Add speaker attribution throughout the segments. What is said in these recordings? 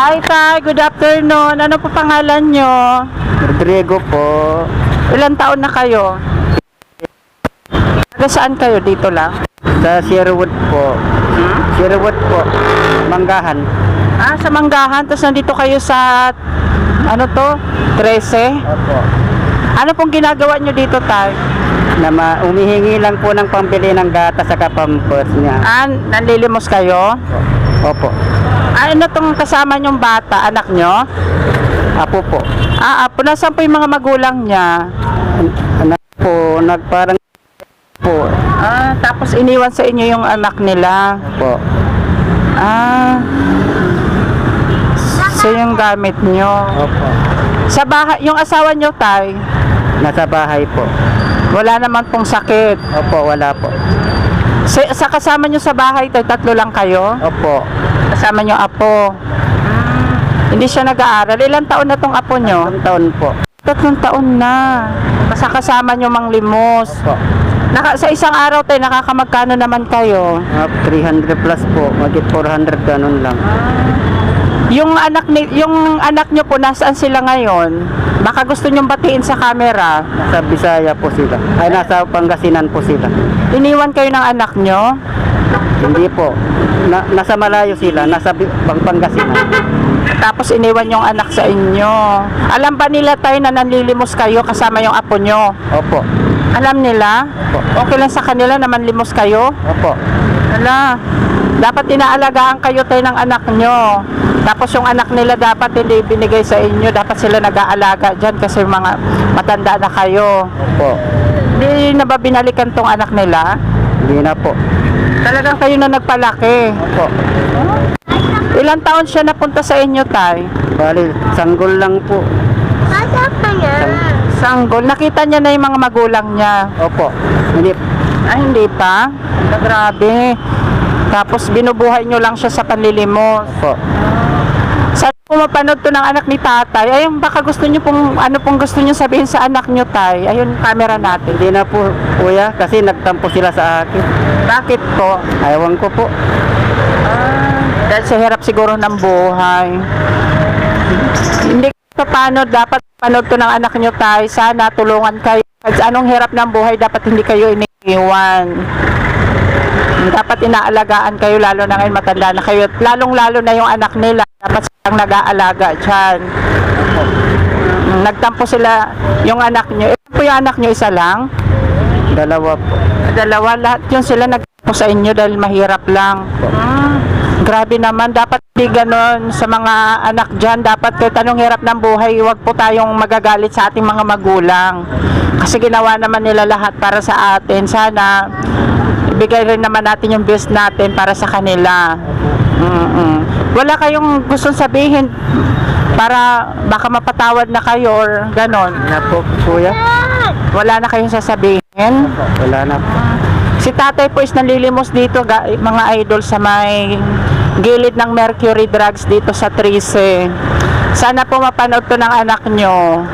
Speaker 1: Hi, Tay. Good afternoon. Ano po pangalan nyo?
Speaker 2: Rodrigo po.
Speaker 1: Ilan taon na kayo? Taga saan kayo? Dito lang?
Speaker 2: Sa Sherwood po. Sherwood po. Manggahan.
Speaker 1: Ah, sa Manggahan. Tapos nandito kayo sa, ano to? 13?
Speaker 2: Opo.
Speaker 1: Ano pong ginagawa nyo dito, Tay?
Speaker 2: Umihingi lang po ng pambili ng gata sa pampers niya.
Speaker 1: Ah, nanlilimos kayo?
Speaker 2: Opo.
Speaker 1: Ah, ano tong kasama nyong bata? Anak nyo?
Speaker 2: Apo po.
Speaker 1: Ah, apo. Nasaan po yung mga magulang niya?
Speaker 2: Anak po, nagparang po.
Speaker 1: Ah, tapos iniwan sa inyo yung anak nila.
Speaker 2: Po.
Speaker 1: Ah, so yung gamit nyo.
Speaker 2: Opo.
Speaker 1: Sa bahay, yung asawa nyo, Tay,
Speaker 2: Nasa bahay po.
Speaker 1: wala naman pong sakit.
Speaker 2: Opo, wala po.
Speaker 1: Sa kasama nyo sa bahay, Tay, tatlo lang kayo?
Speaker 2: Opo.
Speaker 1: Kasama nyo apo. Hindi siya nag-aaral. Ilang taon na tong apo nyo?
Speaker 2: 3 taon po.
Speaker 1: 3 taon na. Kasama nyo manglimos.
Speaker 2: Opo.
Speaker 1: Sa isang araw, Tay, nakakamagkano naman kayo?
Speaker 2: 300 plus po. Magit 400 ganun lang.
Speaker 1: Yung anak nyo po, nasaan sila ngayon? Baka gusto nyong batiin sa camera.
Speaker 2: Nasa Bisaya po sila. Ay, nasa Pangasinan po sila.
Speaker 1: Iniwan kayo ng anak nyo?
Speaker 2: Hindi po. Nasa malayo sila. Nasa Pangasinan.
Speaker 1: Tapos iniwan yung anak sa inyo. Alam ba nila, Tay, na nanlilimos kayo kasama yung apo nyo?
Speaker 2: Opo.
Speaker 1: Alam nila?
Speaker 2: Opo.
Speaker 1: Okay lang sa kanila na manlimos kayo?
Speaker 2: Opo.
Speaker 1: Wala. Dapat inaalagaan kayo, Tay, ng anak nyo. Tapos yung anak nila dapat hindi binigay sa inyo. Dapat sila nag-aalaga dyan kasi mga matanda na kayo.
Speaker 2: Opo.
Speaker 1: Hindi na ba binalikan tong anak nila?
Speaker 2: Hindi na po.
Speaker 1: Talagang kayo na nagpalaki.
Speaker 2: Opo.
Speaker 1: Ilang taon siya napunta sa inyo, Tay?
Speaker 2: Bali, sanggol lang po.
Speaker 1: Sanggol. Nakita niya na yung mga magulang niya.
Speaker 2: Opo. Hindi.
Speaker 1: Ay, hindi pa? Grabe. Tapos binubuhay nyo lang siya sa panlilimos.
Speaker 2: Opo.
Speaker 1: Saan po mapanood to ng anak ni tatay? Ayun, baka gusto nyo pong, ano pong gusto nyo sabihin sa anak nyo, Tay? Ayun, camera natin.
Speaker 2: Hindi na po, kuya, kasi nagtampo sila sa akin.
Speaker 1: Bakit po?
Speaker 2: Ayawan ko po.
Speaker 1: Dahil sa hirap siguro ng buhay. Hindi pa paano, dapat panood to ng anak nyo, Tay. Sana tulungan kayo. Kasi anong hirap ng buhay, dapat hindi kayo iniiwan. Dapat inaalagaan kayo, lalo na ngayon matanda na kayo. Lalong-lalo na yung anak nila. Dapat silang nag-aalaga dyan. Nagtampo sila yung anak nyo. Ito po yung anak nyo, isa lang?
Speaker 2: Dalawa po.
Speaker 1: Dalawa, lahat yun sila nagtampo sa inyo dahil mahirap lang. Grabe naman, dapat di ganon sa mga anak dyan. Dapat kahit anong hirap ng buhay, huwag po tayong magagalit sa ating mga magulang. Kasi ginawa naman nila lahat para sa atin. Sana ibigay rin naman natin yung best natin para sa kanila. Wala kayong gustong sabihin para baka mapatawad na kayo or ganon?
Speaker 2: Na po, kuya.
Speaker 1: Wala na kayong sasabihin?
Speaker 2: Wala na po.
Speaker 1: Si tatay po is nanlilimos dito, mga idol, sa may gilid ng Mercury Drugs dito sa 13. Sana po mapanood to ng anak nyo.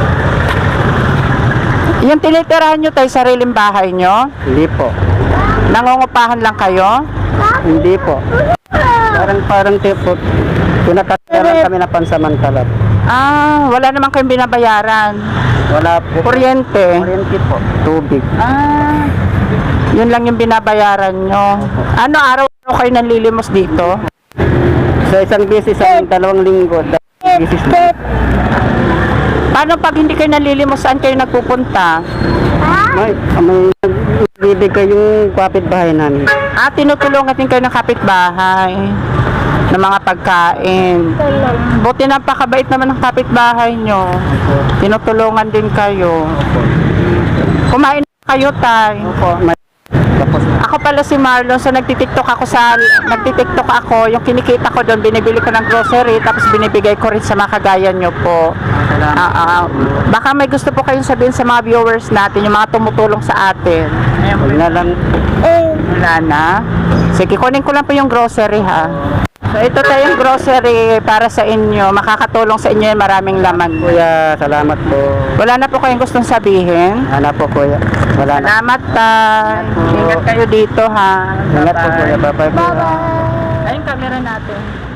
Speaker 1: Yung tinitirahan nyo, Tay, sariling bahay nyo?
Speaker 2: Hindi po.
Speaker 1: Nangungupahan lang kayo?
Speaker 2: Hindi po. Parang tipo, pinakataran kami na pansamantala.
Speaker 1: Ah, wala naman kayong binabayaran.
Speaker 2: Wala po.
Speaker 1: Kuryente?
Speaker 2: Kuryente po. Tubig.
Speaker 1: Ah, yun lang yung binabayaran nyo. Ano, araw-araw kayo nanlilimos dito?
Speaker 2: Sa isang beses, sa 2 linggo, beses na.
Speaker 1: Paano pag hindi kayo nanlilimos, saan kayo nagpupunta?
Speaker 2: May nagbibigay yung kapitbahay namin.
Speaker 1: Ah, tinutulungan din kayo ng kapitbahay ng mga pagkain. Buti napakabait naman ng kapitbahay nyo. Tinutulungan din kayo. Kumain na kayo, Tay.
Speaker 2: Opo, tapos na.
Speaker 1: Ako pala si Marlon, so nagtitiktok ako, yung kinikita ko doon, binibili ko ng grocery, tapos binibigay ko rin sa mga kagaya nyo po. Baka may gusto po kayong sabihin sa mga viewers natin, yung mga tumutulong sa atin.
Speaker 2: Huwag na lang.
Speaker 1: Wala na. Sige, kunin ko lang po yung grocery, ha. So ito tayong grocery para sa inyo, makakatulong sa inyo, maraming laman.
Speaker 2: Kuya, salamat po.
Speaker 1: Wala na po kayong gustong sabihin?
Speaker 2: Ano po, kuya? Wala na.
Speaker 1: Salamat, Tay. Ingat kayo dito, ha.
Speaker 2: Ingat po, kuya. Bye-bye.
Speaker 1: Ayun, camera natin.